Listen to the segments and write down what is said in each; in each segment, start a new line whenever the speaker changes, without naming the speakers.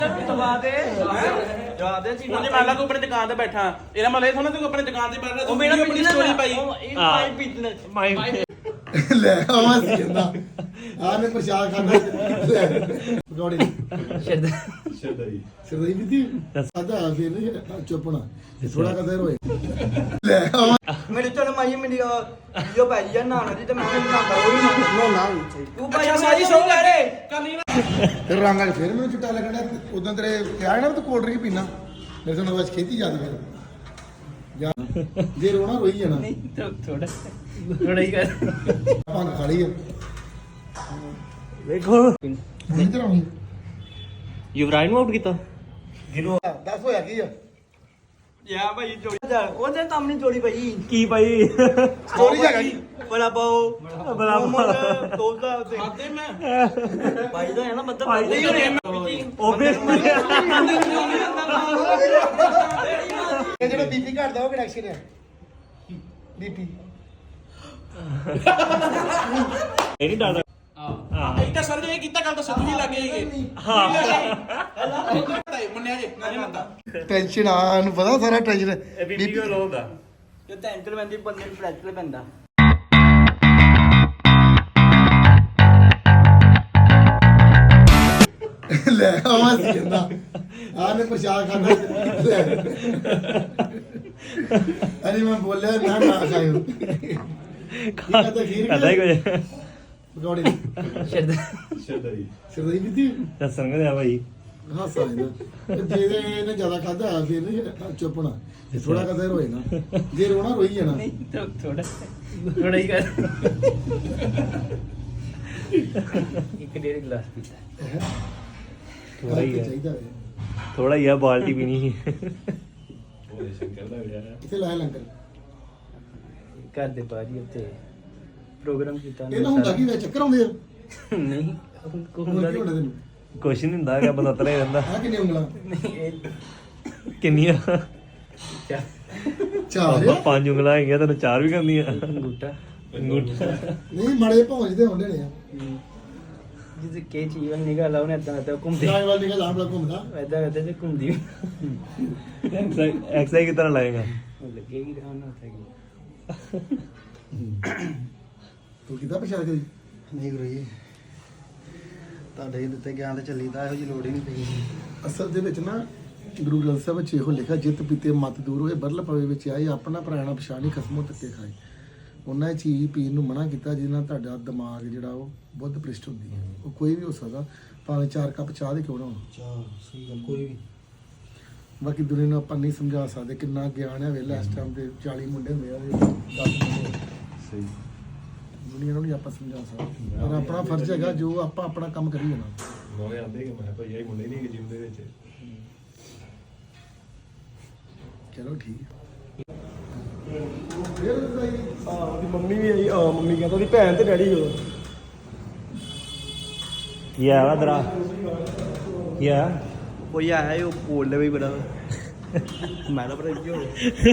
ਦਵਾ ਦੇ ਦਵਾ ਦੇ ਜੀ
ਉਹਨੇ ਮੰਨ ਲਾ ਤੂੰ ਆਪਣੀ ਦੁਕਾਨ ਤੇ ਬੈਠਾ ਇਹਦਾ ਮਤਲਬ ਇਹ ਥੋੜਾ ਤੂੰ ਆਪਣੀ ਦੁਕਾਨ ਤੇ ਬੈਠਾ
ਉਹ ਮੇਰਾ
ਆਪਣੀ ਸਟੋਰੀ ਪਾਈ
ਇਹ ਮਾਈ ਬਿਜ਼ਨਸ
ਮਾਈ
ਲੈ ਆਵਾਂ ਸੀ ਕਹਿੰਦਾ ਆ ਨੇ ਪ੍ਰਸ਼ਾਦ ਖਾਣਾ ਲੈ ਪਕੌੜੇ ਸ਼ਰਦਾਈ ਵੀ ਦੀ ਸਾਦਾ ਫਿਰ ਨਹੀਂ ਚੁੱਪਣਾ ਥੋੜਾ ਕਦਰ ਹੋਏ ਲੈ ਆਵਾਂ
ਮੇਰੇ ਚੋਂ ਮਾਈ ਮੇਰੀ ਵੀਡੀਓ ਪਾਈ ਜਾਂ ਨਾ ਦੀ ਤੇ ਮੈਂ ਬਣਾਉਂਦਾ ਉਹ ਹੀ ਨਾ ਤੂੰ ਭਾਈ ਸਾਰੀ ਸੌ ਕਰੇ ਕਰਨੀ
ਫਿਰ ਰੰਗਾਂ 'ਚ ਫਿਰ ਮੈਨੂੰ ਚਿੱਟਾ ਲੱਗਣਾ ਉਦੋਂ ਤੇਰੇ ਕਿਹਾ ਨਾ ਤੂੰ ਕੋਲਡ ਡਰਿੰਕ ਪੀਣਾ ਮੇਰੇ ਤੋਂ ਨਵਾਜ਼ ਖੇਤੀ ਜਾਂਦੀ ਫਿਰ ਜਾ ਜੇ ਰੋਣਾ ਰੋਈ ਜਾਣਾ
ਨਹੀਂ ਥੋੜਾ ਹੀ ਕਰ
ਭੰਗ ਖਾ ਲਈ
ਵੇਖੋ
ਨਹੀਂ ਤਰਾਉਣੀ
ਯੁਵਰਾਜ ਨੂੰ ਆਊਟ ਕੀਤਾ
ਦੱਸ ਹੋਇਆ ਕੀ ਆ
ਯਾ ਭਾਈ ਜੋੜੀ ਉਹਦੇ ਕੰਮ ਨਹੀਂ ਜੋੜੀ ਭਾਈ
ਕੀ ਭਾਈ
ਸਟੋਰੀ ਹੈਗਾ ਕੀ
ਬੜਾ ਪਾਓ
ਬਰਾਬਰ
ਦੋਸਤਾਂ ਉੱਤੇ
ਖਾਤੇ ਮੈਂ
ਭਾਈ ਦਾ ਹੈ ਨਾ ਮਤਲਬ
ਭਾਈ
ਭਾਈ
ਉਹ ਵੀ
ਇਹ ਜਿਹੜਾ ਬੀਪੀ ਘਟਦਾ ਉਹ ਕਿਹੜਾ ਐਕਸ਼ਨ ਹੈ ਬੀਪੀ
ਇਹ ਨਹੀਂ ਡਰਦਾ
ਇੱਕ ਤਾਂ ਸਰ ਜੇ ਇਹ ਕੀਤਾ ਗੱਲ ਤਾਂ ਸਿੱਧੂ ਹੀ ਲੱਗੇ ਹੈਗੇ
ਹਾਂ
ਮੰਨਿਆ ਜੇ ਮੈਂ ਨਹੀਂ ਮੰਨਦਾ
ਟੈਨਸ਼ਨ ਆ ਨੂੰ ਪਤਾ ਸਾਰਾ ਟੈਨਸ਼ਨ
ਇਹ ਬੀਬੀ ਕੋ ਲੋਗਾ
ਜੇ ਟੈਂਸ਼ਨ ਬੰਦੀ ਬੰਦੇ ਨੂੰ ਫ੍ਰੈਕਚਰ ਪੈਂਦਾ
ਲੈ ਆਵਾਂ ਸੀ ਕਹਿੰਦਾ ਆ ਨੇ ਪ੍ਰਸ਼ਾਦ ਖਾਣਾ ਲੈ ਅਰੇ ਮੈਂ ਬੋਲਿਆ ਨਾ ਨਾ ਖਾਇਓ
ਕਹਦਾ ਹੀ ਕੁਝ
ਪਕੌੜੇ ਸ਼ਰਦਾਈ ਵੀ ਦੀ
ਦੱਸਣ ਕਿ ਆ ਭਾਈ
ਹਾਸਾ ਇਹਦਾ ਜੇ ਇਹਨੇ ਜ਼ਿਆਦਾ ਖਾਦਾ ਫਿਰ ਨਹੀਂ ਚੁੱਪਣਾ ਥੋੜਾ ਕਦਰ ਹੋਏ ਨਾ ਜੇ ਰੋਣਾ ਰੋਈ ਜਾਣਾ
ਨਹੀਂ ਥੋੜਾ ਹੀ ਕਰ ਇੱਕ ਡੇਢ ਗਲਾਸ ਪੀਤਾ
ਥੋੜਾ ਹੀ ਹੈ
ਚਾਹੀਦਾ
ਥੋੜਾ ਹੀ ਆ ਬਾਲਟੀ ਵੀ ਨਹੀਂ
ਇੱਥੇ ਲਾਇਆ ਲੰਗਰ
ਘਰ ਦੇ ਬਾਹਰ ਹੀ ਉੱਤੇ ਪ੍ਰੋਗਰਾਮ ਕੀਤਾ
ਇਹ ਨਾ ਹੁੰਦਾ ਕੀ ਵੇ ਚੱਕਰ ਆਉਂਦੇ ਆ
ਨਹੀਂ
ਹੋਰ ਕੀ ਹੁੰਦਾ ਤੈਨੂੰ
ਕੁਛ ਨਹੀਂ ਹੁੰਦਾ ਹੈਗਾ ਬੰਦਾ ਤਰੇ ਰਹਿੰਦਾ
ਆ ਕਿੰਨੇ ਉਂਗਲਾਂ
ਨਹੀਂ ਇਹ
ਕਿੰਨੀਆਂ
ਚਾਰ
ਆਪਾਂ 5 ਉਂਗਲਾਂ ਹੈਗੀਆਂ ਤੈਨੂੰ 4 ਵੀ ਕਰਨੀਆਂ
ਅੰਗੂਠਾ
ਨਹੀਂ ਮੜੇ ਪਹੁੰਚਦੇ ਹੁੰਦੇ ਨੇ ਆ
ਜਿਸ ਕੇ ਚੀਜ਼ ਨਿਕਲ ਆਉਣੇ ਤਾਂ ਘੁੰਮਦੇ
ਜਾਣ ਵਾਲੀ ਨਿਕਲ ਆਮ ਘੁੰਮਦਾ
ਐਦਾਂ ਕਰਦੇ ਤੇ ਘੁੰਮਦੀ
ਐਕਸਰਸਾਈਜ਼ ਕਿਤਨਾ ਲਾਏਗਾ
ਉਹ ਲੱਗੇਗੀ ਤਾਂ ਨਾ ਉੱਥੇ
ਤੂੰ ਕਿੱਦਾਂ ਪਛਾਣ ਕਰੀ
ਨਹੀਂ ਗੁਰੂ ਜੀ ਤੁਹਾਡੇ ਦਿੱਤੇ ਗਿਆਨ ਤੇ ਚੱਲੀਦਾ ਇਹੋ ਜੀ ਲੋੜ ਹੀ ਨਹੀਂ ਪਈ
ਅਸਲ ਦੇ ਵਿੱਚ ਨਾ ਗੁਰੂ ਗ੍ਰੰਥ ਸਾਹਿਬ ਵਿੱਚ ਇਹੋ ਲਿਖਿਆ ਜਿਤ ਪੀਤੇ ਮਤ ਦੂਰ ਹੋਏ ਬਰਲ ਪਵੇ ਵਿੱਚ ਆਏ ਆਪਣਾ ਪ੍ਰਾਣਾ ਪਛਾਣੀ ਖਸਮੋਂ ਤੱਕੇ ਖਾਏ ਉਹਨਾਂ ਇਹ ਚੀਜ਼ ਪੀਣ ਨੂੰ ਮਨਾ ਕੀਤਾ ਜਿਹਦੇ ਨਾਲ ਤੁਹਾਡਾ ਦਿਮਾਗ ਜਿਹੜਾ ਉਹ ਬੁੱਧ ਪ੍ਰਿਸ਼ਟ ਹੁੰਦੀ ਹੈ ਉਹ ਕੋਈ ਵੀ ਹੋ ਸਕਦਾ ਭਾਵੇਂ 4 ਕੱਪ ਚਾਹ ਦੇ ਕਿਉਂ ਨਾ ਹੋਣ
ਚਾਹ ਸਹੀ ਗੱਲ ਕੋਈ ਵੀ
ਬਾਕੀ ਦੁਨੀਆ ਨੂੰ ਆਪਾਂ ਨਹੀਂ ਸਮਝਾ ਸਕਦੇ ਕਿੰਨਾ ਗਿਆਨ ਹੈ ਵੇਲਾ ਇਸ ਟਾਈਮ ਤੇ 40 ਮੁੰਡੇ ਹੁੰਦੇ ਆ 10 ਮੁੰਡੇ ਸਹੀ ਦੁਨੀਆ ਨੂੰ ਨਹੀਂ ਆਪਾਂ ਸਮਝਾ ਸਕਦੇ ਪਰ ਆਪਣਾ ਫਰਜ਼ ਹੈਗਾ ਜੋ ਆਪਾਂ ਆਪਣਾ ਕੰਮ ਕਰੀ ਜਾਣਾ
ਨੋਏ ਆਂਦੇ ਕਿ ਮੈਂ ਭਾਈ ਇਹ ਮੁੰਡੇ ਨਹੀਂ ਜਿਮ ਦੇ ਵਿੱਚ
ਚਲੋ ਠੀਕ
ਉਹਦੀ ਮੰਮੀ ਵੀ ਆਈ ਮੰਮੀ ਕਹਿੰਦਾ ਉਹਦੀ ਭੈਣ ਤੇ ਡੈਡੀ ਹੋ
ਕੀ ਆ ਵਦਰਾ ਕੀ ਆ
ਕੋਈ ਆਇਆ ਉਹ ਬੋਲਦੇ ਵੀ ਬੜਾ ਮੈਂ ਤਾਂ ਬੜਾ ਕਿਉਂ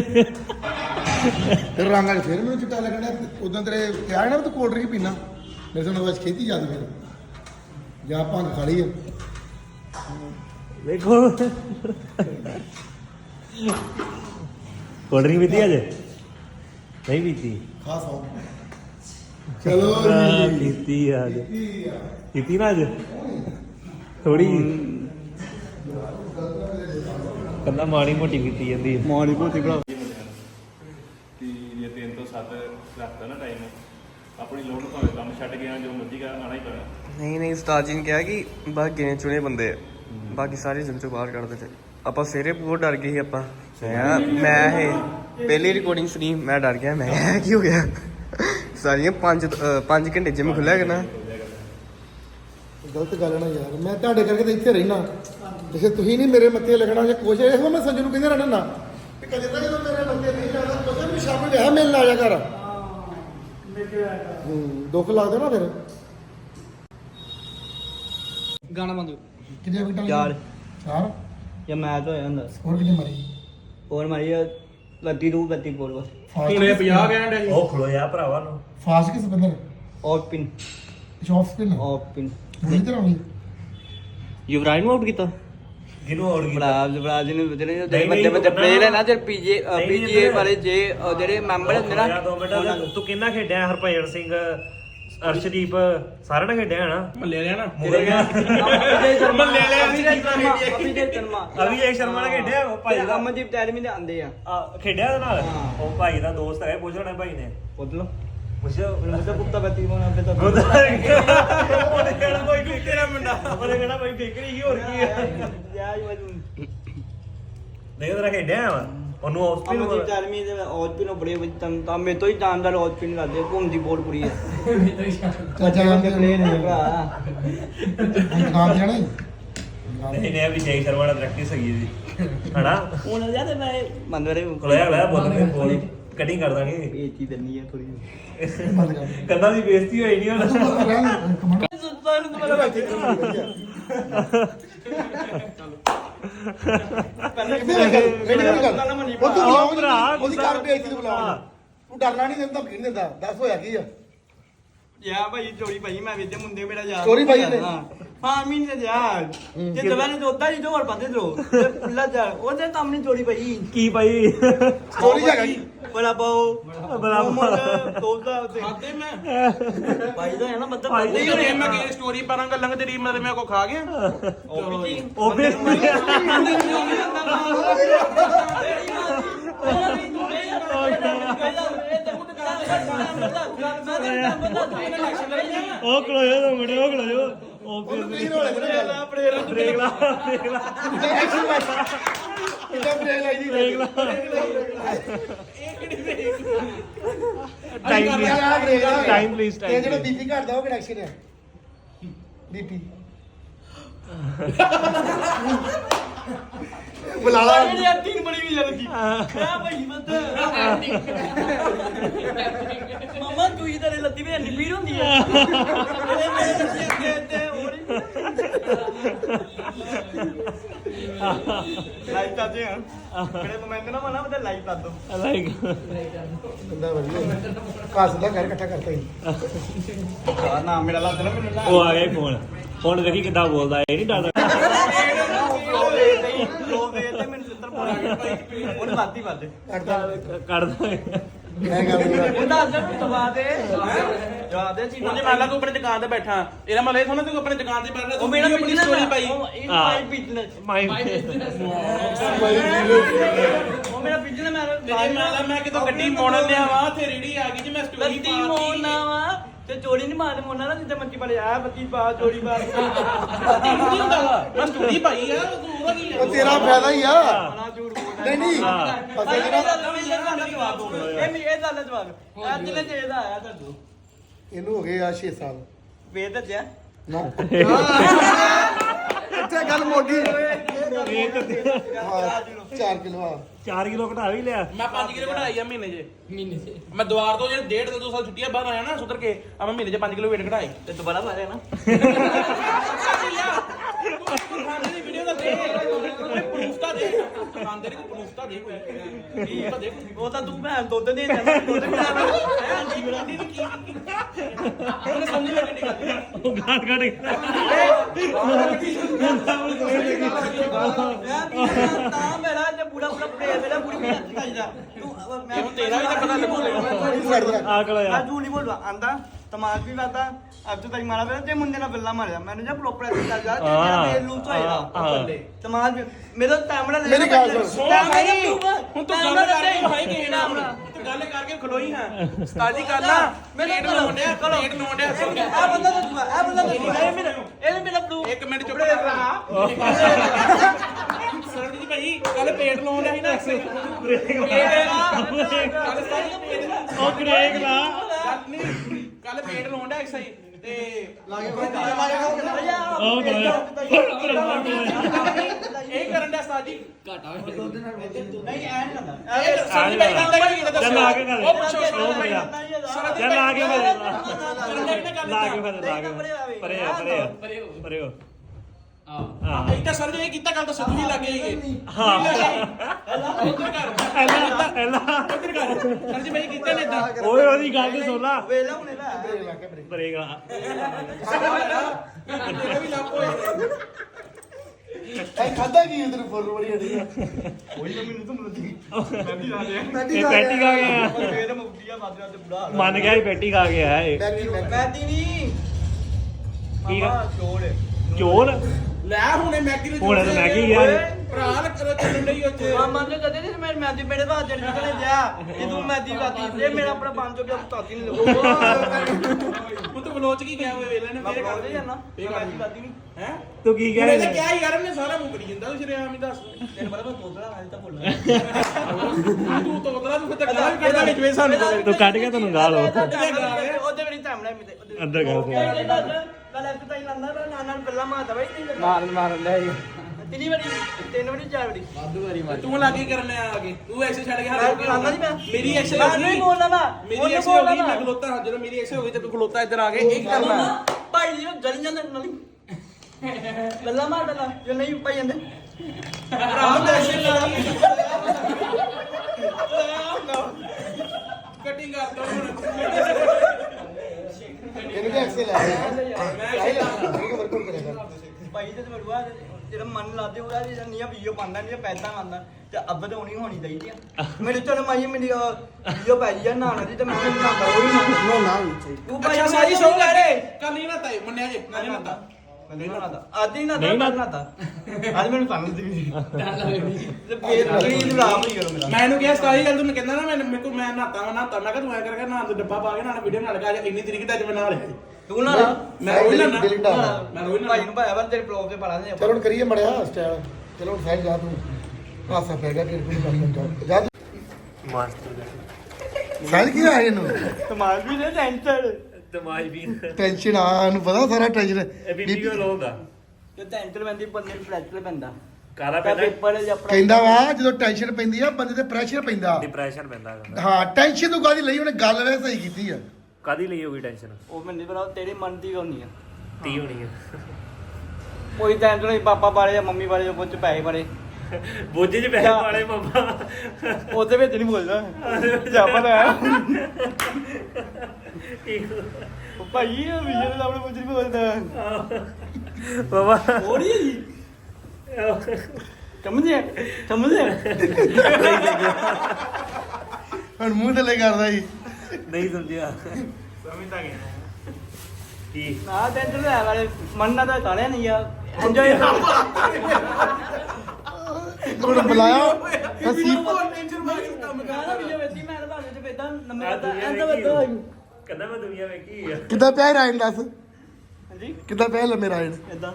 ਫਿਰ ਰੰਗਾਂ 'ਚ ਫਿਰ ਮੈਨੂੰ ਚਿੱਟਾ ਲੱਗਣਾ ਉਦੋਂ ਤੇਰੇ ਕਿਹਾ ਨਾ ਤੂੰ ਕੋਲਡ ਡਰਿੰਕ ਪੀਣਾ ਮੇਰੇ ਤੋਂ ਨਵਾਜ਼ ਖੇਤੀ ਜਾਂਦੀ ਫਿਰ ਜਾਂ ਭੰਗ ਖਾ ਲਈ
ਵੇਖੋ ਕੋਲਡ ਡਰਿੰਕ ਪੀਤੀ ਅੱਜ ਨਹੀਂ ਪੀਤੀ
ਖਾਸ ਆਓ ਚਲੋ ਜੀ
ਪੀਤੀ ਅੱਜ ਪੀਤੀ ਨਾ ਅੱਜ ਥੋੜੀ ਕੱਲਾ ਮਾੜੀ ਮੋਟੀ ਪੀਤੀ ਜਾਂਦੀ ਹੈ
ਮਾੜੀ ਮੋਟੀ ਭਰਾ
ਕਿ ਜੇ 3 ਤੋਂ 7 ਰੱਖਦਾ ਨਾ ਟਾਈਮ ਆਪਣੀ ਲੋੜ ਨੂੰ ਭਾਵੇਂ ਕੰਮ ਛੱਡ ਗਿਆ ਜੋ ਮਰਜ਼ੀ ਕਰ ਆਣਾ ਹੀ ਪੈਣਾ
ਨਹੀਂ ਉਸਤਾਦ ਜੀ ਨੇ ਕਿਹਾ ਕਿ ਬਸ ਗਿਣੇ ਚੁਣੇ ਬੰਦੇ ਆ ਬਾਕੀ ਸਾਰੇ ਜਿੰਮ ਚੋਂ ਬਾਹਰ ਕੱਢ ਦਿੱਤੇ ਆਪਾਂ ਸਵੇਰੇ ਬਹੁਤ ਡਰ ਗਏ ਸੀ ਆਪਾਂ ਮੈਂ ਇਹ ਪਹਿਲੀ ਰਿਕਾਰਡਿੰਗ ਸੁਣੀ ਮੈਂ ਡਰ ਗਿਆ ਮੈਂ ਕਿਹਾ ਕੀ ਹੋ ਗਿਆ ਸਾਰੀਆਂ 5 ਘੰਟੇ ਜਿੰਮ ਖੁੱਲਿਆ ਕਰਨਾ
ਗਲਤ ਗੱਲ ਨਾ ਯਾਰ ਮੈਂ ਤੁਹਾਡੇ ਕਰਕੇ ਤਾਂ ਇੱਥੇ ਰਹਿਣਾ ਜੇ ਤੁਸੀਂ ਨਹੀਂ ਮੇਰੇ ਮੱਥੇ ਲੱਗਣਾ ਜੇ ਕੁਛ ਇਹੋ ਮੈਂ ਸੰਜੂ ਨੂੰ ਕਹਿੰਦਾ ਰਹਿਣਾ ਨਾ ਕਿ ਕਦੇ ਤਾਂ ਜਦੋਂ ਮੇਰੇ ਮੱਥੇ ਨਹੀਂ ਲੱਗਦਾ ਕੁਛ ਵੀ ਸ਼ਾਮ ਨੂੰ ਵਿਆਹ ਮਿਲਣ ਆ ਜਾ ਕਰ ਦੁੱਖ ਲੱਗਦਾ ਨਾ ਫਿਰ
ਗਾਣਾ ਬੰਦ
ਕਿੰਨੇ ਵਿਕਟਾਂ
ਚਾਰ
ਚਾਰ
ਜਾਂ ਮੈਚ ਹੋਇਆ ਹੁੰਦਾ
ਸਕੋਰ ਕਿੰਨੇ ਮਾਰੀ
ਹੋਰ ਮਾਰੀ 32 32 ਬੋਲ ਬਸ
ਹੁਣੇ 50 ਕਹਿਣ ਡਿਆ ਸੀ
ਉਹ ਖਲੋ ਜਾ ਭਰਾਵਾ ਨੂੰ
ਫਾਸਟ ਕਿਸ ਬੰਦੇ ਨੇ
ਆਫ ਪਿਨ
ਸ਼ਾਫ ਸਪਿਨ
ਆਫ ਪਿਨ
ਨਹੀਂ ਤਰਾਉਣੀ
ਯੁਵਰਾਜ ਨੂੰ ਆਊਟ ਕੀਤਾ ਕਿਹਨੂੰ ਆਊਟ ਕੀਤਾ
ਬਰਾਜ ਨੂੰ ਜਿਹੜੇ
ਨਹੀਂ,
ਵੱਡੇ ਵੱਡੇ
ਤੂੰ
ਪਲੇਅਰ ਹੈ ਨਾ ਜਿਹੜੇ
ਨਹੀਂ,
ਪੀਜੀਏ ਵਾਲੇ ਜੇ ਜਿਹੜੇ ਮੈਂਬਰ ਹੁੰਦੇ ਨਾ
ਯਾਰ 2 ਮਿੰਟ ਤੂੰ ਕਿੰਨਾ ਖੇਡਿਆ ਹਰਭਜਨ ਸਿੰਘ ਅਰਸ਼ਦੀਪ ਸਾਰਿਆਂ ਨਾਲ ਖੇਡਿਆ ਹੈ ਨਾ
ਮੱਲੇ ਲਿਆ ਨਾ
ਅਭਿਜੇਕ ਸ਼ਰਮਾ ਨਾਲ ਖੇਡਿਆ ਉਹ ਭਾਈ ਦਾ
ਅਮਨਦੀਪ ਟੈਲਮੀ ਦੇ ਆਂਦੇ ਆ
ਖੇਡਿਆ ਉਹਦੇ ਨਾਲ ਉਹ ਭਾਈ ਦਾ ਦੋਸਤ ਹੈ ਪੁੱਛਣਾ ਭਾਈ ਨੇ
ਪੁੱਛ ਲਓ
ਪੁੱਛਿਆ
ਮੁੰਡਾ ਕੁੱਤਾ ਬੱਤੀ ਮੋਨਾ ਆਪੇ ਤਾਂ
ਉਹਨੇ ਕਹਿਣਾ ਕੋਈ ਤੇਰਾ ਮੁੰਡਾ ਉਹਨੇ ਕਹਿਣਾ ਭਾਈ ਠੇਕਰੀ ਕੀ ਹੋਰ ਕੀ ਹੈ ਨਹੀਂ ਉਹਦਾ ਖੇਡਿਆ ਵਾ ਉਹਨੂੰ ਹਸਪੀਟਲ
ਅਮਨਦੀਪ ਟੈਲਮੀ ਦੇ ਔਜਪੀ ਨੂੰ ਬੜੇ ਤਾਂ ਮੇਰੇ ਤੋਂ ਹੀ ਜਾਣਦਾਰ ਔਜਪੀ ਨੂੰ ਲੱਗਦੇ ਘੁੰਮਦੀ ਬਹੁਤ ਬੁਰੀ ਹੈ
ਚਾਚਾ
ਪਲੇਅਰ ਨੇ ਭਰਾ
ਨਾਮ ਜਾਣਾ
ਨਹੀਂ ਨਹੀਂ ਅਭਿਜੇਕ ਸ਼ਰਮਾ ਨਾਲ ਪ੍ਰੈਕਟਿਸ ਹੈਗੀ ਜੀ ਹਣਾ
ਹੁਣ ਯਾਰ ਮੈਂ ਮੰਨ ਰਹੇ
ਕੋਲਿਆ ਬੋਲ ਕਟਿੰਗ ਕਰ ਦਾਂਗੇ
ਬੇਇੱਜ਼ਤੀ ਦੰਨੀ ਹੈ ਥੋੜੀ
ਕੰਨਾਂ ਦੀ ਬੇਇੱਜ਼ਤੀ ਹੋਈ ਨਹੀਂ ਹੁਣ
ਉਹਦੀ ਕਰ ਬੇਇੱਜ਼ਤੀ ਨੂੰ ਬੁਲਾਉਣਾ ਤੂੰ ਡਰਨਾ ਨਹੀਂ ਦਿੰਦਾ ਭੀੜ ਦਿੰਦਾ ਦੱਸ ਹੋਇਆ ਕੀ ਆ
ਯਾ ਭਾਈ ਚੋਰੀ ਭਾਈ ਮੈਂ ਵੇਦੇ ਮੁੰਡੇ ਮੇਰਾ ਯਾਰ
ਚੋਰੀ ਭਾਈ ਨੇ?
ਹਾਂ ਮੀਨ ਨੇ ਯਾਰ ਜੇ ਜਵਾਨੇ ਜੋਦਾ ਜੀ ਹੋਰ ਬੰਦੇ ਦਰੋ ਪੁੱਲਾ ਜਾ ਉਹਦੇ ਕੰਮ ਨਹੀਂ ਚੋਰੀ ਭਾਈ
ਕੀ ਭਾਈ
ਚੋਰੀ ਜਗਾ ਜੀ
ਬੜਾ ਬਾਉ
ਬੜਾ ਬਾਊ।
ਦੋਸਤਾ ਤੇ
ਖਾਤੇ ਮੈਂ
ਭਾਈ ਦਾ ਹੈ ਨਾ ਮਤਲਬ
ਭਾਈ
ਬੰਦੇ ਹੀ
ਨਹੀਂ
ਹੋਣੇ
ਮੈਂ ਕੀ ਸਟੋਰੀ ਪਾਰਾਂਗਾ ਲੰਘ ਤੇਰੀ ਮਤਲਬ ਮੈਂ ਕੋ ਖਾ ਗਿਆ
ਉਹ ਵੀ ਉਹ ਖਲੋਇਓ ਦੋ ਮਿੰਟ ਉਹ ਖਲੋਇਓ ਉਹ
ਕਲੀਨ ਹੋ ਲੱਗਣਾ
ਬ੍ਰੇਕ ਲਾ
ਐਕਸ਼ਨ ਮੈਚ ਕਿੰਨਾ ਬ੍ਰੇਕ ਲਾਈ ਜੀ
ਬ੍ਰੇਕ ਲਾ ਟਾਈਮ ਪਲੀਜ਼
ਇਹ ਜਿਹੜਾ ਬੀਪੀ ਘਟਦਾ ਉਹ ਕਨੈਕਸ਼ਨ ਹੈ ਬੀਪੀ ਬੁਲਾ ਲਾ
ਭਾਈ ਨੇ ਤਿੰਨ ਬੜੀ ਵੀ ਲੱਗਦੀ ਆ ਭਾਈ ਮਤ ਮਮਾ ਤੂੰ ਇਧਰ ਲੱਤੀ ਵੀ ਇੰਨੀ ਪੀੜ ਹੁੰਦੀ ਹੈ ਇਹ ਮੇਰੇ ਲੱਤੀ ਅੱਗੇ ਹੋਰ ਲਾਈਟ ਤਾਂ ਦੇ ਕਿਹੜੇ ਮੋਮੈਂਟ ਨਾ ਮਨਾ ਮੈਂ ਲਾਈਟ ਲਾ ਦੋ
ਲਾਈਕ
ਬੰਦਾ ਵਧੀਆ ਕਾਸ ਦਾ ਘਰ ਇਕੱਠਾ ਕਰਤਾ ਹੀ
ਨਾ ਮੇਰਾ ਲਾ ਦੇਣਾ ਮੈਨੂੰ
ਉਹ ਆ ਗਿਆ ਫੋਨ ਵੇਖੀ ਕਿੱਦਾਂ ਬੋਲਦਾ ਇਹ ਨਹੀਂ ਡਰਦਾ
ਲੋਕ ਵੇਚਦੇ ਮੈਨੂੰ ਚਿੱਤਰ ਪਾਉਣਾ ਭਾਈ ਉਹਨੇ ਲਾਤੀ ਵੱਜ
ਕੱਢਦਾ
ਮੈਂ ਗੱਲ
ਉਹ ਦੱਸ ਦੇ ਨੂੰ ਦਵਾ ਦੇ ਜਵਾਬ ਦੇ ਚੀਜ਼
ਉਹਨੇ ਮੰਨ ਲਾ ਤੂੰ ਆਪਣੀ ਦੁਕਾਨ ਤੇ ਬੈਠਾ ਇਹਦਾ ਮਤਲਬ ਇਹ ਥੋੜਾ ਤੂੰ ਆਪਣੀ ਦੁਕਾਨ ਤੇ ਬੈਠਾ
ਉਹ ਮੇਰਾ
ਆਪਣੀ ਸਟੋਰੀ ਪਾਈ
ਇਹ ਮਾਈ ਬਿਜ਼ਨਸ
ਮਾਈ
ਉਹ ਮੇਰਾ ਬਿਜ਼ਨਸ ਮੈਂ
ਤੇਰੀ ਮੈਂ ਕਿਤੋਂ ਗੱਡੀ ਮੋੜਨ ਲਿਆ ਵਾ ਉੱਥੇ ਰੇੜੀ ਆ ਗਈ ਜੀ ਮੈਂ ਸਟੋਰੀ
ਲੱਤੀ ਮੋੜਨਾ ਵਾ ਤੇ ਚੋਰੀ ਨਹੀਂ ਮਾਰਦੇ ਮੋੜਨਾ ਨਾ ਜਿੱਦਾਂ ਮੱਕੀ ਵਾਲੇ ਆ ਬੱਤੀ ਪਾ ਚੋਰੀ ਮਾਰ
ਕੀ ਹੁੰਦਾ ਵਾ ਮੈਂ ਸਟੋਰੀ ਪਾਈ ਆ ਤੂੰ ਉਹਦਾ ਕੀ ਆ
ਉਹ ਤੇਰਾ ਫਾਇਦਾ ਹੀ ਆ
ਬੜਾ ਝੂਠ ਬੋਲਦਾ
ਨਹੀਂ ਨਹੀਂ ਫਸੇ
ਇਹ ਗੱਲ ਜਵਾਬ ਅੱਜ ਲੈ ਜੇ ਇਹਦਾ ਆਇਆ ਤੁਹਾਨੂੰ
ਇਹਨੂੰ ਹੋ ਗਏ ਆ 6 ਸਾਲ
ਵੇਦ ਦੱਸਿਆ
ਨਾ ਇੱਥੇ ਗੱਲ ਮੋਢੀ ਹਾਂ 4 ਕਿਲੋ ਆ
4 ਕਿਲੋ ਘਟਾ ਵੀ ਲਿਆ
ਮੈਂ 5 ਕਿਲੋ ਘਟਾਈ ਆ ਮਹੀਨੇ 'ਚ ਮੈਂ ਦੁਆਰ ਤੋਂ ਜਿਹੜੇ 1.5 ਤੋਂ 2 ਸਾਲ ਛੁੱਟੀਆਂ ਬਾਅਦ ਆਇਆ ਨਾ ਸੁਧਰ ਕੇ ਆ ਮੈਂ ਮਹੀਨੇ 'ਚ 5 ਕਿਲੋ weight ਘਟਾਈ
ਤੇ ਦੁਬਾਰਾ ਮਾਰਿਆ ਨਾ
ਖਾਣੇ ਦੀ ਵੀਡੀਓ ਦਾ ਦੇ ਕੋਈ ਪ੍ਰੂਫ ਤਾਂ ਦੇ ਖਾਂਦੇ ਨਹੀਂ ਕੋਈ ਪ੍ਰੂਫ ਤਾਂ ਦੇ ਕੋਈ proof ਤਾਂ ਦੇ ਕੋਈ।
ਉਹ ਤਾਂ ਤੂੰ ਭੈਣ ਦੁੱਧ ਦੇ ਜਾਂਦਾ ਦੁੱਧ ਪਿਲਾਣਾ ਹੈ ਜੀ ਬਰਾਦੀ ਦੀ ਕੀ
ਉਹਨੇ ਸਮਝ ਲਿਆ ਕਿੰਨੀ ਗੱਲ
ਉਹ ਗਾਲ ਕੱਢ ਗਿਆ
ਤਾਂ ਮੇਰਾ ਜੇ ਪੂਰਾ ਪਲੇਅਰ ਮੇਰਾ ਪੂਰੀ ਵੀ ਹੱਥ ਚਾਹੀਦਾ ਤੂੰ
ਇਹ ਹੁਣ ਤੇਰਾ ਵੀ ਤਾਂ ਪਤਾ ਲੱਗੂਗਾ
ਆ ਕੋਲ
ਆ ਝੂਠ ਨਹੀਂ ਬੋਲਦਾ ਆਂਦਾ ਤਮਾਕ ਵੀ ਵਾਦਾ ਅੱਜ ਤੱਕ ਮਾਰਾ ਫਿਰ ਤੇ ਮੁੰਡੇ ਨਾਲ ਬਿੱਲਾ ਮਾਰਿਆ ਮੈਨੂੰ ਜਾਂ ਪ੍ਰੋਪਰ ਐਕਟ ਕਰ ਜਾ ਤੇ ਮੇਰਾ ਬੇਲ ਲੂਸ ਹੋਏਗਾ ਤਮਾਕ ਮੇਰਾ ਕੈਮਰਾ ਲੈ
ਮੇਰੀ ਗੱਲ ਸੁਣ।
ਹੁਣ ਤੂੰ ਗੱਲ ਕਰਕੇ ਭਾਈ ਕਿਸੇ ਨਾਲ ਹੁਣ ਤੂੰ ਗੱਲ ਕਰਕੇ ਖਲੋਈ ਹਾਂ ਸਤਾਜੀ ਕਰ ਲਾ ਪੇਟ ਲਾਉਂਦਿਆ ਪੇਟ ਲਾਉਂਦਿਆ
ਆ ਬੰਦਾ ਤਾਂ ਆ ਬੰਦਾ ਇਹ ਮੇਰਾ ਪ੍ਰੂਫ
1 ਮਿੰਟ ਚੁੱਪ ਰਹਾ ਸਰਵਜੀਤ ਭਾਈ ਕੱਲ ਪੇਟ ਲਾਉਂਦਿਆ ਸੀ ਨਾ ਅਕਸਰ
ਉਹ ਬ੍ਰੇਕ ਲਾ
ਕੱਲ ਪੇਟ ਲਾਉਂਦਿਆ ਐਕਸਾਈ ਤੇ
ਉਹ
ਇਹ ਕਰਨ ਦਾ ਸਤਾਜੀ
ਨਹੀਂ ਐ ਨਹੀਂ ਕਰਦਾ
ਸਰਵਜੀਤ ਭਾਈ ਗੱਲ ਕਰੀ
ਚੱਲ ਲਾ ਕੇ ਕਰ
ਉਹ ਪੁੱਛੋ
ਉਹ ਭਈਆ ਚੱਲ ਲਾ ਕੇ ਕਰ ਲਾ ਕੇ ਪਰੇ ਆ ਪਰੇ ਹੋ ਹਾਂ
ਇੱਥੇ ਸਰ ਜੀ ਇਹ ਕੀਤਾ ਗੱਲ ਤਾਂ ਸਿੱਧੂ ਜੀ ਲੱਗੇ ਸੀਗੇ
ਹਾਂ
ਉੱਧਰ ਕਰ
ਐਲਾ
ਉੱਧਰ ਕਰ ਸਰ ਜੀ ਭਾਈ ਕੀਤੇ ਨੇ ਇਦਾਂ
ਓਏ ਉਹਦੀ ਗੱਲ ਤੇ ਸੁਣ ਲਾ
ਵੇਲਾ ਹੁਣੇ ਦਾ
ਬ੍ਰੇਕ ਲਾ
ਤੇਰਾ ਵੀ ਲੱਭ ਹੋਏ
ਐ ਖਾਦਾ ਕੀ ਉਧਰ ਫੁੱਲ ਬੜੀ ਅੜੀ ਆ
ਕੋਈ ਨਾ ਮੈਨੂੰ ਤਾਂ ਮਰਦੀ ਮੈਂ ਵੀ ਲਾ ਲਿਆ
ਇਹ ਪੈਟੀ ਖਾ ਕੇ ਆ
ਫੇਰ ਮੁਕਤੀਆ ਬਾਦਰਾ ਤੇ ਬੁੜਾ ਹਾਲ
ਮੰਨ ਗਿਆ ਇਹ ਪੈਟੀ ਖਾ ਕੇ ਆਇਆ ਇਹ
ਮੈਂ ਦੀ ਨਹੀਂ
ਕੀ
ਮਾਮਾ ਚੋਰ ਹੈ
ਚੋਰ
ਲੈ ਹੁਣੇ ਮੈਗੀ ਨੂੰ
ਹੁਣੇ ਤਾਂ ਮੈਗੀ ਗਿਆ
ਭਰਾ ਲੱਕਰ ਚੱਲਣ ਲਈ ਉੱਥੇ
ਮਾਮਾ ਨੇ ਕਦੇ ਨਹੀਂ ਮੈਂ ਦੀ ਮੇਰੇ ਬਾਅਦ ਜਣ ਨਿਕਲੇ ਜਾ ਇਹ ਤੂੰ ਮੈਂ ਦੀ ਬਾਤੀ ਇਹ ਮੇਰਾ ਆਪਣਾ 500 ਰੁਪਏ ਤਾਤੀ ਨਹੀਂ ਲੱਗੋ
ਹੁਣ ਤੂੰ ਬਲੋਚ ਕੀ ਗਿਆ ਹੋਏ ਵੇਲੇ ਨੇ
ਮੈਂ
ਫੇਰ
ਕਰਦੇ ਜਾਨਾ ਮੈਂ ਦੀ ਬਾਤੀ ਨਹੀਂ
ਹੈ
ਤੂੰ ਕੀ ਕਹਿ
ਉਹਨੇ
ਰਿਹਾ
ਕਿਹਾ ਯਾਰ ਇਹਨੇ ਸਾਰਾ ਮੁਕਰੀ ਜਾਂਦਾ ਤੂੰ ਸ਼ਰੇਆਮ ਹੀ ਦੱਸ
ਤੈਨੂੰ ਪਤਾ ਮੈਂ ਤੋਤਲਾ ਨਾਲ ਤਾਂ ਬੋਲਣਾ
ਤੂੰ ਤੋਤਲਾ ਤੂੰ ਤਾਂ ਗਾਲ ਕੱਢਦਾ ਵਿੱਚ ਵੇ ਸਾਨੂੰ
ਤੂੰ ਕੱਢ ਕੇ ਤੈਨੂੰ ਗਾਲ
ਉਹਦੇ ਵੀ ਨਹੀਂ ਧਾਮਣਾ ਮੇਰੇ
ਅੰਦਰ ਗਾ ਫੋਨ
ਕੱਲ ਇੱਕ ਤਾਂ ਹੀ ਲੰਦਾ ਪਰ ਨਾਨਾ ਨੂੰ ਪਹਿਲਾਂ ਮਾਰਦਾ ਬਈ ਮਾਰ ਲੈ ਤਿੰਨੀ ਵਾਰੀ ਤਿੰਨ ਵਾਰੀ ਚਾਰ ਵਾਰੀ
ਤੂੰ ਲਾਗੇ ਕਰਨ ਆ ਕੇ ਤੂੰ ਐਸੇ ਛੱਡ ਕੇ
ਮੈਂ ਲਾਂਦਾ ਨਹੀਂ ਮੈਂ
ਮੇਰੀ ਐਸੇ
ਮੈਂ ਨਹੀਂ ਬੋਲਣਾ ਮੈਂ
ਮੇਰੀ ਐਸੇ ਹੋ ਗਈ ਮੈਂ ਖਲੋਤਾ ਹਾਂ ਜਦੋਂ ਮੇਰੀ ਐਸੇ ਹੋ ਗਈ ਤੇ ਤੂੰ ਖਲੋਤਾ ਇੱਧਰ ਆ ਕੇ ਇੱਕ ਕਰਨਾ
ਭਾਈ ਜੀ ਉਹ ਜਲੀ ਜਾਂਦੇ ਨਾਲੀ ਗੱਲਾਂ ਮਾਰ ਪਹਿਲਾਂ ਜੋ ਨਹੀਂ ਭਾਈ ਜਾਂਦੇ
ਭਰਾ ਦਾ ਐਸੇ ਲਾ ਕਟਿੰਗ ਕਰ ਦੋ ਹੁਣ
ਇਹਨੂੰ ਕਿ ਐਕਸਲ ਆ
ਭਾਈ ਤੇ ਮਰੂਆ ਜਿਹੜਾ ਮਨ ਲਾਦੇ ਉਹਦਾ ਜਿਹੜਾ ਨਹੀਂ ਵੀਡੀਓ ਪਾਉਂਦਾ ਨਹੀਂ ਪੈਦਾ ਆਉਂਦਾ ਤੇ ਅੱਬ ਤੇ ਹੋਣੀ ਚਾਹੀਦੀ ਆ ਮੇਰੇ ਚੋਂ ਮਾਈ ਮੇਰੀ ਵੀਡੀਓ ਪੈ ਜੀ ਨਾਣਾ ਦੀ ਤੇ ਮੈਂ ਨਹਾਉਂਦਾ ਉਹ ਹੀ ਨਾ ਤੂੰ ਭਾਈ
ਅੱਛਾ ਸਾਜੀ ਸੌ ਲੈ ਰੇ ਕੱਲ ਨਹੀਂ ਨਾ ਤਾਈ ਮੰਨਿਆ ਜੇ
ਨਹੀਂ ਨਹਾਉਂਦਾ ਨਹੀਂ ਨਹਾਉਂਦਾ ਅੱਜ ਹੀ ਨਹਾਉਂਦਾ ਅੱਜ ਮੈਨੂੰ ਤੰਗ ਦੀ ਤੇ ਫੇਰ ਗਰੀਬ ਨੂੰ ਲਾਭ ਨਹੀਂ ਕਰੋ ਮੇਰਾ
ਮੈਂ ਇਹਨੂੰ ਕਿਹਾ ਸਤਾਈ ਗੱਲ ਤੂੰ ਕਹਿੰਦਾ ਨਾ ਮੈਂ ਮੇਰੇ ਕੋਲ ਮੈਂ ਨਹਾਤਾ ਮੈਂ ਕਿਹਾ ਤੂੰ ਐ ਕਰਕੇ ਨਾ ਤੂੰ ਡੱਬਾ ਪਾ ਕੇ ਨਾ ਵੀਡੀਓ ਨਾਲ ਲਗਾ ਇੰਨੀ ਤਰੀਕ ਤੇ ਅੱਜ ਮੈਂ ਨਾਲ
ਤੂੰ ਨਾ
ਮੈਂ ਰੋਈ ਨਾ
ਮੈਂ ਰੋਈ ਭਾਈ ਨੂੰ ਭਾਇਆ ਤੇਰੇ ਬਲੌਗ ਤੇ ਪੜਾ ਦੇ
ਚਲੋ ਹੁਣ ਕਰੀਏ ਮੜਿਆ ਸਟਾਈਲ ਚਲੋ ਹੁਣ ਸਾਹਿਬ ਜਾ ਤੂੰ ਹਾਸਾ ਪੈ ਗਿਆ ਕਿ ਕੋਈ ਕੰਮ ਕਰ ਜਾ ਸਾਹਿਲ ਕੀ ਆ ਇਹਨੂੰ
ਤਮਾਸ਼ ਵੀ ਨੇ ਟੈਂਸ਼ਨ
ਦਿਮਾਗ ਵੀ
ਟੈਨਸ਼ਨ ਆ ਇਹਨੂੰ ਪਤਾ ਸਾਰਾ ਟੈਨਸ਼ਨ
ਇਹ ਬੀਬੀ ਕੋ ਲੋਦਾ
ਤੇ ਟੈਂਸ਼ਨ ਪੈਂਦੀ ਬੰਦੇ ਨੂੰ ਪ੍ਰੈਸ਼ਰ ਪੈਂਦਾ
ਕਾਲਾ
ਤਾਂ
ਪੈਂਦਾ
ਪੇਪਰ ਜਾਂ
ਕਹਿੰਦਾ ਵਾ ਜਦੋਂ ਟੈਨਸ਼ਨ ਪੈਂਦੀ ਆ ਬੰਦੇ ਤੇ ਪ੍ਰੈਸ਼ਰ ਪੈਂਦਾ
ਡਿਪਰੈਸ਼ਨ ਪੈਂਦਾ ਕਹਿੰਦਾ
ਹਾਂ ਟੈਨਸ਼ਨ ਤੋਂ ਕਾਦੀ ਲਈ ਉਹਨੇ ਗੱਲ ਵੇ ਸਹੀ ਕੀਤੀ ਆ
ਕਾਦੀ ਲਈ ਹੋਗੀ ਟੈਨਸ਼ਨ
ਉਹ ਮੈਨੂੰ ਪਤਾ ਤੇਰੇ ਮਨ ਦੀ ਹੋਣੀ ਆ
ਤੀ ਹੋਣੀ ਆ
ਕੋਈ ਟੈਨਸ਼ਨ ਨਹੀਂ ਪਾਪਾ ਬਾਰੇ ਜਾਂ ਮੰਮੀ ਬਾਰੇ ਜਾਂ ਕੁਝ ਪੈਸੇ ਬਾਰੇ
ਬੋਝੇ ਚ ਪੈਸੇ ਵਾਲੇ ਮੰਮਾ
ਉਹਦੇ ਵਿੱਚ ਨਹੀਂ ਬੋਲਦਾ ਜਾਪਾ ਤਾਂ ਉਹ ਭਾਈ ਇਹ ਵੀਡੀਓ ਦਾ ਆਪਣੇ ਕੁਝ ਨਹੀਂ ਬੋਲਦਾ
ਬਾਬਾ
ਹੋਰ ਹੀ ਜੀ ਸਮਝਿਆ
ਹੁਣ ਮੂੰਹ ਤੇ ਲੈ ਕਰਦਾ ਸੀ
ਨਹੀਂ ਸਮਝਿਆ ਸਮਝਦਾ ਗਿਆ ਕੀ
ਨਾ ਟੈਨਸ਼ਨ ਲੈ ਵਾਲੇ ਮਨ ਨਾਲ ਤਾਂ ਤਾਲਿਆ ਨਹੀਂ ਆ ਇੰਜੋਏ
ਉਹਨੂੰ ਬੁਲਾਇਆ ਅਸੀਂ
ਟੈਨਸ਼ਨ ਪਾ ਕੇ ਕੰਮ
ਗਾਣਾ ਵੀ ਵੇਖੀ ਮੈਂ ਤਾਂ ਭਾਵੇਂ ਤੇ ਪੈਦਾ ਨੰਬਰ
ਆ
ਦਾ
ਦੁਨੀਆ
ਐਂਦਾ
ਵੇਖੀ
ਵੱਡਾ
ਕਹਿੰਦਾ ਮੈਂ ਦੁਨੀਆ ਵੇਖੀ ਆ
ਕਿੱਦਾਂ ਪਿਆ ਰਾਇਣ ਦੱਸ
ਹਾਂਜੀ
ਕਿੱਦਾਂ ਪਿਆ ਲੰਮੇ ਰਾਇਣ
ਇਦਾਂ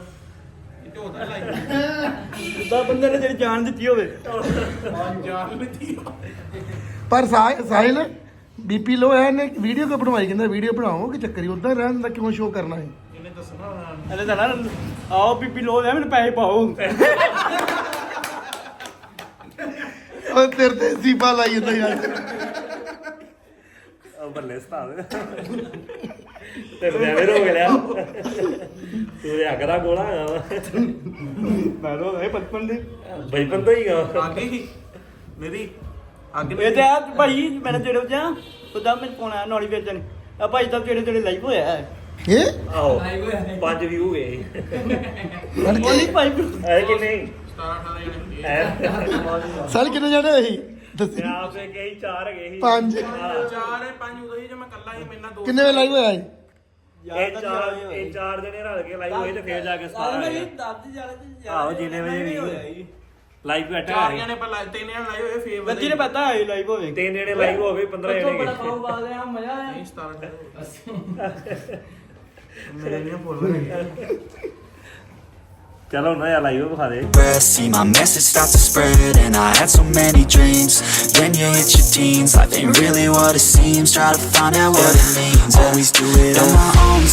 ਜਿੱਦਾਂ ਬੰਦੇ ਨੇ ਤੇਰੀ ਜਾਨ ਦਿੱਤੀ ਹੋਵੇ
ਜਾਨ ਲੱਗੀ
ਪਰ ਸਾਹਿਲ ਬੀਪੀ ਲੋ ਹੈ ਨੇ ਵੀਡੀਓ ਕਿਉਂ ਬਣਵਾਈ ਕਹਿੰਦਾ ਵੀਡੀਓ ਬਣਾਓ ਕਿ ਚੱਕਰੀ ਉਦਾਂ ਰਹਿਣ ਦਾ ਕਿਉਂ ਸ਼ੋਅ ਕਰਨਾ ਹੈ
ਇਹਨੇ ਦੱਸਣਾ
ਇਹਨੇ ਤਾਂ ਨਾ ਆਓ ਬੀਬੀ ਲੋ ਲੈ ਮੈਨੂੰ ਪੈਸੇ ਪਾਓ
ਉਹ ਤੇਰੇ ਤੇ ਸੀਪਾ ਲਾਈ ਜਾਂਦਾ ਯਾਰ
ਉਹ ਬੱਲੇ ਸਤਾਵ ਤੇ ਡਰਾਈਵਰ ਹੋ ਗਿਆ ਤੂੰ ਦੇ ਅਗਰਾ ਗੋਲਾ ਆ
ਮੈਂ ਰੋ ਇਹ ਬਚਪਨ ਦੇ
ਬਚਪਨ ਤੋਂ ਹੀ ਗਾ
ਅੱਗੇ ਹੀ ਮੇਰੀ
ਇਹ ਤੇ ਆ ਭਾਈ ਮੈਂ ਜਿਹੜੇ ਜਾਂ ਉਹਦਾ ਮੈਨੂੰ ਫੋਨ ਆਇਆ ਨੌਲੀ ਵੇਚਣ ਆ ਭਾਈ ਤਾਂ ਜਿਹੜੇ ਲਾਈਵ ਹੋਇਆ ਹੈ
ਇਹ
ਆਓ 5 ਵਿਊ ਗਏ
ਉਹ ਨਹੀਂ ਭਾਈ
ਐ ਕਿ ਨਹੀਂ
17
ਸਾਲ ਕਿੰਨੇ ਜਾਣੇ ਸੀ ਦੱਸੀ
ਤੇ ਆਪੇ ਕਈ 4 ਗਏ ਸੀ
5
ਚਾਰ ਹੈ ਪੰਜ ਉਦੋਂ ਹੀ ਜੇ ਮੈਂ ਕੱਲਾ ਹੀ ਮੈਨਾਂ ਦੋ
ਕਿੰਨੇ ਵੇ ਲਾਈਵ ਹੋਇਆ ਸੀ
ਇਹ 4 ਜਣੇ ਰਲ ਕੇ ਲਾਈਵ ਹੋਏ ਤੇ ਫੇਰ ਜਾ ਕੇ 17 ਹੋਏ ਆਹੋ, ਜਿੰਨੇ ਵਜੇ ਵੀ ਲਾਈਵ ਬੈਠਾ
ਚਾਰ ਜਣੇ ਪਰ ਤਿੰਨ ਜਣੇ ਲਾਏ ਹੋਏ ਫੇਰ
ਗੱਦੀ ਨੇ ਪਤਾ ਹੈ ਲਾਈਵ ਹੋਵੇ
3 ਜਣੇ ਲਾਈਵ ਹੋ ਗਏ 15 ਜਣੇ
ਬੜਾ
ਗਏ
ਖਾਓ ਬਾਦ ਆ ਮਜ਼ਾ ਆਇਆ
17 ਮੇਰੇ ਨਹੀਂ ਬੋਲ ਰਹੇ
ਚਲੋ ਨਾ ਯਾ ਲਾਈਵ ਵਿਖਾ ਦੇ
See my message start to spread and I had so many dreams. Then you hit your teens, life ain't really what it seems. Try to find out what it means. Always do it on my own.